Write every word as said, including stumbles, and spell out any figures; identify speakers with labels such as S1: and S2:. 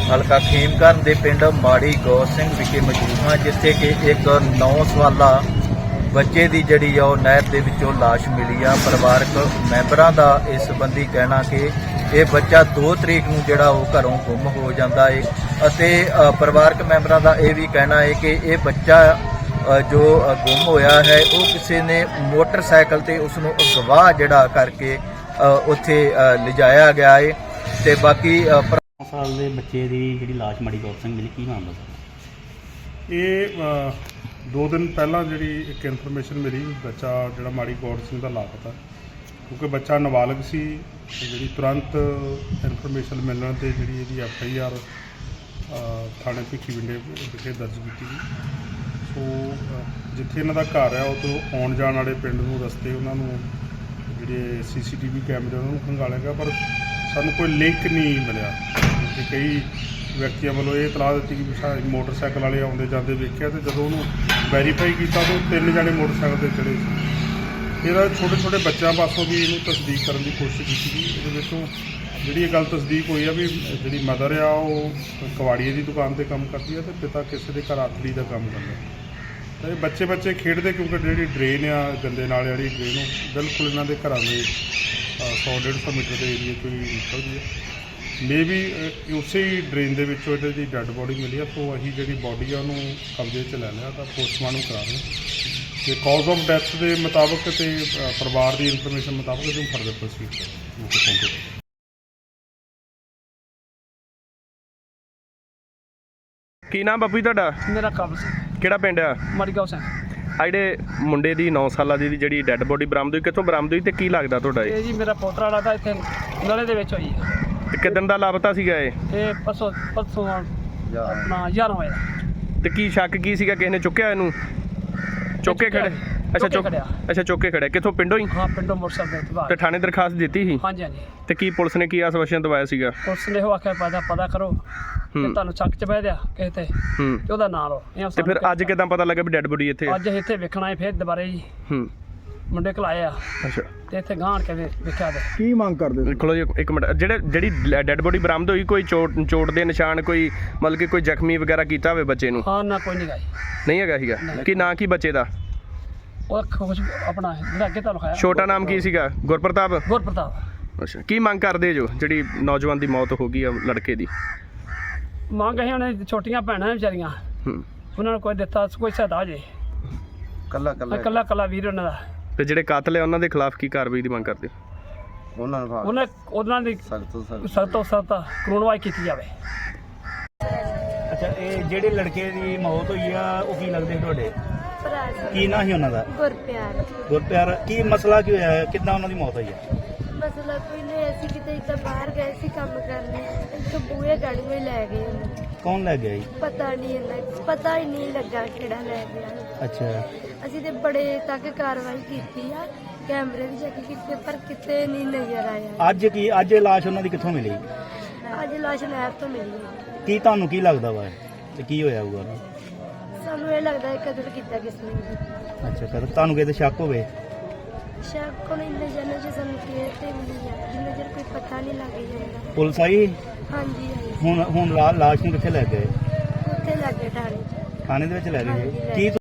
S1: ਹਲਕਾ ਖੇਮਕਰਨ ਦੇ ਪਿੰਡ ਮਾੜੀ ਗੌਰ ਸਿੰਘ ਵਿਖੇ ਮੌਜੂਦ ਹਾਂ, ਜਿੱਥੇ ਕਿ ਇੱਕ ਨੌ ਸਾਲਾ ਬੱਚੇ ਦੀ ਜਿਹੜੀ ਆ ਉਹ ਨਹਿਰ ਦੇ ਵਿੱਚੋਂ ਲਾਸ਼ ਮਿਲੀ ਆ। ਪਰਿਵਾਰਕ ਮੈਂਬਰਾਂ ਦਾ ਇਸ ਸੰਬੰਧੀ ਕਹਿਣਾ ਕਿ ਇਹ ਬੱਚਾ ਦੋ ਤਰੀਕ ਨੂੰ ਜਿਹੜਾ ਉਹ ਘਰੋਂ ਗੁੰਮ ਹੋ ਜਾਂਦਾ ਹੈ ਅਤੇ ਪਰਿਵਾਰਕ ਮੈਂਬਰਾਂ ਦਾ ਇਹ ਵੀ ਕਹਿਣਾ ਹੈ ਕਿ ਇਹ ਬੱਚਾ ਜੋ ਗੁੰਮ ਹੋਇਆ ਹੈ ਉਹ ਕਿਸੇ ਨੇ ਮੋਟਰਸਾਈਕਲ ਤੇ ਉਸ ਨੂੰ ਅਗਵਾ ਜਿਹੜਾ ਕਰਕੇ ਉੱਥੇ ਲਿਜਾਇਆ ਗਿਆ ਹੈ। ਤੇ ਬਾਕੀ
S2: ਸਾਲ ਦੇ ਬੱਚੇ ਦੀ ਜਿਹੜੀ ਲਾਸ਼ ਮਾੜੀ ਗੌਰ ਸਿੰਘ ਮਿਲੀ, ਕੀ ਮਾਮਲਾ ਸਰ?
S3: ਇਹ ਦੋ ਦਿਨ ਪਹਿਲਾਂ ਜਿਹੜੀ ਇੱਕ ਇਨਫੋਰਮੇਸ਼ਨ ਮਿਲੀ, ਬੱਚਾ ਜਿਹੜਾ ਮਾੜੀ ਗੌਰ ਸਿੰਘ ਦਾ ਲਾਪਤਾ, ਕਿਉਂਕਿ ਬੱਚਾ ਨਾਬਾਲਗ ਸੀ। ਜਿਹੜੀ ਤੁਰੰਤ ਇਨਫੋਰਮੇਸ਼ਨ ਮਿਲਣ 'ਤੇ ਜਿਹੜੀ ਇਹਦੀ ਐਫ ਆਈ ਆਰ ਥਾਣੇ ਭਿੱਖੀਵਿੰਡੇ ਵਿਖੇ ਦਰਜ ਕੀਤੀ ਗਈ। ਸੋ ਜਿੱਥੇ ਇਹਨਾਂ ਦਾ ਘਰ ਆ, ਉਹ ਤੋਂ ਆਉਣ ਜਾਣ ਵਾਲੇ ਪਿੰਡ ਨੂੰ ਰਸਤੇ ਉਹਨਾਂ ਨੂੰ ਜਿਹੜੇ ਸੀ ਸੀ ਟੀ ਵੀ ਕੈਮਰੇ ਉਹਨਾਂ ਨੂੰ ਖੰਗਾਲਿਆ ਗਿਆ, ਪਰ ਸਾਨੂੰ ਕੋਈ ਲਿੰਕ ਨਹੀਂ ਮਿਲਿਆ। ਕਿ ਕਈ ਵਿਅਕਤੀਆਂ ਵੱਲੋਂ ਇਹ ਇਤਲਾਹ ਦਿੱਤੀ ਕਿ ਮੋਟਰਸਾਈਕਲ ਵਾਲੇ ਆਉਂਦੇ ਜਾਂਦੇ ਵੇਖਿਆ, ਅਤੇ ਜਦੋਂ ਉਹਨੂੰ ਵੈਰੀਫਾਈ ਕੀਤਾ ਤਾਂ ਉਹ ਤਿੰਨ ਜਣੇ ਮੋਟਰਸਾਈਕਲ 'ਤੇ ਚੜ੍ਹੇ ਸੀ। ਇਹਦਾ ਛੋਟੇ ਛੋਟੇ ਬੱਚਿਆਂ ਪਾਸੋਂ ਵੀ ਇਹਨੂੰ ਤਸਦੀਕ ਕਰਨ ਦੀ ਕੋਸ਼ਿਸ਼ ਕੀਤੀ ਗਈ। ਇਹਦੇ ਵਿੱਚੋਂ ਜਿਹੜੀ ਇਹ ਗੱਲ ਤਸਦੀਕ ਹੋਈ ਆ ਵੀ ਜਿਹੜੀ ਮਦਰ ਆ ਉਹ ਕਬਾੜੀਏ ਦੀ ਦੁਕਾਨ 'ਤੇ ਕੰਮ ਕਰਦੀ ਆ ਅਤੇ ਪਿਤਾ ਕਿਸੇ ਦੇ ਘਰ ਆਥਲੀ ਦਾ ਕੰਮ ਕਰਦਾ। ਤਾਂ ਇਹ ਬੱਚੇ ਬੱਚੇ ਖੇਡਦੇ, ਕਿਉਂਕਿ ਜਿਹੜੀ ਡਰੇਨ ਆ ਗੰਦੇ ਨਾਲੇ ਵਾਲੀ ਡਰੇਨ, ਉਹ ਬਿਲਕੁਲ ਇਹਨਾਂ ਦੇ ਘਰਾਂ ਦੇ ਸੌ ਡੇਢ ਸੌ ਮੀਟਰ ਦੇ ਏਰੀਏ ਤੋਂ ਹੀ ਨਿਕਲਦੀ ਹੈ। ਮੇ ਵੀ ਉਸੇ ਹੀ ਡਰੇਨ ਦੇ ਵਿੱਚੋਂ ਇਹਦੇ ਦੀ ਡੈੱਡ ਬੋਡੀ ਮਿਲੀ ਆ। ਸੋ ਅਸੀਂ ਜਿਹੜੀ ਬੋਡੀ ਆ ਉਹਨੂੰ ਕਬਜ਼ੇ 'ਚ ਲੈ ਲਿਆ ਤਾਂ ਪੋਸਟਮਾਰਟਮ ਕਰਾ ਰਹੇ ਅਤੇ ਕਾਜ਼ ਆਫ ਡੈਥ ਦੇ ਮੁਤਾਬਕ ਅਤੇ ਪਰਿਵਾਰ ਦੀ ਇਨਫੋਰਮੇਸ਼ਨ ਮੁਤਾਬਕ ਇਹਨੂੰ ਫਰਦਰ ਪ੍ਰੋਸੀਡ ਕਰਾਂਗੇ।
S4: ਕੀ ਨਾਮ ਬਾਪੂ ਜੀ ਤੁਹਾਡਾ?
S5: ਮੇਰਾ ਕਬਲ ਸਿੰਘ।
S4: ਕਿਹੜਾ ਪਿੰਡ ਆ?
S5: ਮਾੜੀ ਗੌਰ ਸਿੰਘ।
S4: ਆ ਜਿਹੜੇ ਮੁੰਡੇ ਦੀ ਨੌ ਸਾਲਾਂ ਦੀ ਜਿਹੜੀ ਡੈੱਡ ਬੋਡੀ ਬਰਾਮਦ ਹੋਈ, ਕਿੱਥੋਂ ਬਰਾਮਦ ਹੋਈ ਤੇ ਕੀ ਲੱਗਦਾ ਤੁਹਾਡਾ?
S5: ਇਹ ਜੀ ਮੇਰਾ ਪੋਤਰਾ ਵਾਲਾ ਤਾਂ ਇੱਥੇ ਨਲੇ ਦੇ ਵਿੱਚ ਹੋਈ ਹੈ।
S4: ਤੇ ਕਿਦਣ ਦਾ ਲਾਪਤਾ ਸੀਗਾ ਇਹ?
S5: ਇਹ ਪਰਸੋਂ ਪਰਸੋਂ ਆਪਣਾ ਗਿਆਰਾਂ ਵਜੇ ਦਾ।
S4: ਤੇ ਕੀ ਸ਼ੱਕ ਕੀ ਸੀਗਾ, ਕਿਸੇ ਨੇ ਚੁੱਕਿਆ ਇਹਨੂੰ? ਚੁੱਕ ਕੇ ਖੜੇ? ਅੱਛਾ ਚੁੱਕ ਅੱਛਾ ਚੁੱਕ ਕੇ ਖੜਿਆ। ਕਿੱਥੋਂ? ਪਿੰਡੋਂ ਹੀ?
S5: ਹਾਂ ਪਿੰਡੋਂ ਮੋਟਰਸਾਈਕਲ ਤੇ ਬਾਹਰ।
S4: ਤੇ ਥਾਣੇ ਦਰਖਾਸਤ ਦਿੱਤੀ ਸੀ?
S5: ਹਾਂਜੀ ਹਾਂਜੀ।
S4: ਤੇ ਕੀ ਪੁਲਿਸ ਨੇ ਕੀ ਆਸ਼ਵਾਸਨ ਦਵਾਇਆ ਸੀਗਾ?
S5: ਪੁਲਿਸ ਨੇ ਉਹ ਆਖਿਆ ਪਤਾ ਪਤਾ ਕਰੋ ਕਿ ਤੁਹਾਨੂੰ ਸ਼ੱਕ ਚ ਬਹਿ ਦਿਆ ਕਿਸੇ ਤੇ
S4: ਹੂੰ
S5: ਤੇ ਉਹਦਾ ਨਾਂ ਲਓ।
S4: ਤੇ ਫਿਰ ਅੱਜ ਕਿਦਾਂ ਪਤਾ ਲੱਗਾ ਵੀ ਡੈੱਡ ਬੋਡੀ ਇੱਥੇ?
S5: ਅੱਜ ਇੱਥੇ ਵੇਖਣਾ ਹੈ ਫਿਰ ਦੁਬਾਰੇ ਜੀ।
S4: ਹੂੰ
S5: ਮੁੰਡੇ ਘਲਾਏ ਆ
S4: ਅੱਛਾ
S5: ਤੇ ਇੱਥੇ ਗਾਂਢ ਕੇ ਵੇਖਿਆ ਤੇ
S6: ਕੀ ਮੰਗ ਕਰਦੇ?
S4: ਖਲੋ ਜੀ ਇੱਕ ਮਿੰਟ। ਜਿਹੜੇ ਜਿਹੜੀ ਡੈੱਡ ਬੋਡੀ ਬਰਾਮਦ ਹੋਈ, ਕੋਈ ਚੋਟ ਚੋਟ ਦੇ ਨਿਸ਼ਾਨ, ਕੋਈ ਮਤਲਬ ਕਿ ਕੋਈ ਜ਼ਖਮੀ ਵਗੈਰਾ ਕੀਤਾ ਹੋਵੇ ਬੱਚੇ ਨੂੰ?
S5: ਹਾਂ ਨਾ ਕੋਈ ਨਹੀਂ ਗਾਈ।
S4: ਨਹੀਂ ਹੈਗਾ ਸੀਗਾ? ਕੀ ਨਾਂ ਕੀ ਬੱਚੇ ਦਾ?
S5: ਉਹ ਖੁਸ਼ ਆਪਣਾ ਜਿਹੜਾ ਅੱਗੇ ਤੁਹਾਨੂੰ ਖਾਇਆ।
S4: ਛੋਟਾ ਨਾਮ ਕੀ ਸੀਗਾ? ਗੁਰਪ੍ਰਤਾਪ?
S5: ਗੁਰਪ੍ਰਤਾਪ।
S4: ਅੱਛਾ। ਕੀ ਮੰਗ ਕਰਦੇ ਜੋ ਜਿਹੜੀ ਨੌਜਵਾਨ ਦੀ ਮੌਤ ਹੋ ਗਈ ਆ ਲੜਕੇ ਦੀ?
S5: ਮੰਗ ਅਸੀਂ ਉਹਨੇ ਛੋਟੀਆਂ ਭੈਣਾਂ ਵਿਚਾਰੀਆਂ,
S4: ਹੂੰ
S5: ਉਹਨਾਂ ਨੂੰ ਕੋਈ ਦਿੱਤਾ ਕੋਈ ਸਹਾਇਤਾ ਜੇ
S1: ਕੱਲਾ ਕੱਲਾ
S5: ਕੱਲਾ ਕੱਲਾ ਵੀਰ ਉਹਨਾਂ ਦਾ।
S4: ਤੇ ਜਿਹੜੇ ਕਾਤਲ ਆ ਉਹਨਾਂ ਦੇ ਖਿਲਾਫ ਕੀ ਕਾਰਵਾਈ ਦੀ ਮੰਗ ਕਰਦੇ?
S1: ਉਹਨਾਂ ਨੂੰ
S5: ਉਹਨਾਂ ਉਹਨਾਂ ਦੀ
S1: ਸਖਤ ਤੋਂ ਸਖਤ
S5: ਸਖਤ ਤੋਂ ਸਖਤ ਕਾਨੂੰਨਵਾਈ ਕੀਤੀ ਜਾਵੇ।
S2: ਅੱਛਾ, ਇਹ ਜਿਹੜੇ ਲੜਕੇ ਦੀ ਮੌਤ ਹੋਈ ਆ ਉਹ ਕੀ ਲੱਗਦੇ ਤੁਹਾਡੇ?
S7: ਭਰਾ ਸੀ।
S2: ਕੀ ਨਾਂ ਸੀ ਉਹਨਾਂ ਦਾ?
S7: ਗੁਰਪਿਆਰ।
S2: ਗੁਰਪਿਆਰ। ਕੀ ਮਸਲਾ ਕੀ ਹੋਇਆ? ਕਿੱਦਾਂ ਉਹਨਾਂ ਦੀ ਮੌਤ ਹੋਈ ਹੈ?
S7: ਮਸਲਾ ਕੋਈ ਨਹੀਂ, ਅਸੀਂ ਕਿਤੇ ਇੱਦਾਂ ਬਾਹਰ ਗਏ ਸੀ ਕੰਮ ਕਰਨ, ਇੱਥੋਂ ਬੂਹੇ ਗਾੜੀ ਵਿੱਚ ਲੈ ਗਏ ਉਹਨੂੰ।
S2: ਕੌਣ ਲੈ ਗਿਆ ਜੀ?
S7: ਪਤਾ ਨਹੀਂ ਇਹਨਾਂ ਪਤਾ ਹੀ ਨਹੀਂ ਲੱਗਾ ਕਿਹੜਾ ਲੈ ਗਿਆ।
S2: ਅੱਛਾ।
S7: ਅਸੀਂ ਤੇ ਬੜੇ ਤੱਕ ਕਾਰਵਾਈ ਕੀਤੀ ਆ, ਕੈਮਰੇ ਵੀ ਚੈੱਕ ਕੀਤੇ, ਪਰ ਕਿਤੇ ਨਹੀਂ ਨਜ਼ਰ ਆਇਆ।
S2: ਅੱਜ ਕੀ ਅੱਜ ਇਹ ਲਾਸ਼ ਉਹਨਾਂ ਦੀ ਕਿੱਥੋਂ ਮਿਲੀ?
S7: ਅੱਜ ਲਾਸ਼ ਨਹਿਰ ਤੋਂ ਮਿਲੀ ਹੈ।
S2: ਕੀ ਤੁਹਾਨੂੰ ਕੀ ਲੱਗਦਾ ਵਾ ਤੇ ਕੀ ਹੋਇਆ ਹੋਊਗਾ?
S7: ਸਾਨੂੰ ਇਹ ਲੱਗਦਾ ਹੈ ਕਦਰ ਕੀਤਾ ਕਿਸ ਨੇ ਵੀ।
S2: ਅੱਛਾ, ਕਰ ਤੁਹਾਨੂੰ ਕਿਤੇ ਸ਼ੱਕ ਹੋਵੇ?
S7: ਸ਼ਾਇਦ ਕੋਈ ਇੰਨੇ ਜਨੇ ਚ ਸਾਨੂੰ ਕੇਅਰ ਤੇ ਮਿਲੀ ਆ, ਜਿੰਨਾ ਚਿਰ ਕੋਈ ਪਤਾ ਨਹੀਂ ਲੱਗ ਜਾਂਦਾ।
S2: ਪੁਲਿਸ ਆਈ?
S7: ਹਾਂਜੀ ਹਾਂਜੀ।
S2: ਹੁਣ ਹੁਣ ਲਾ- ਲਾਸ਼ ਨੂੰ ਕਿੱਥੇ ਲੈ ਗਏ?
S7: ਉੱਥੇ ਲੱਗੇ ਠਾਣੇ ਚ।
S2: ਥਾਣੇ ਦੇ ਵਿੱਚ ਲੈ ਗਏ ਜੀ?
S7: ਹਾਂਜੀ, ਲੈ
S2: ਕੀ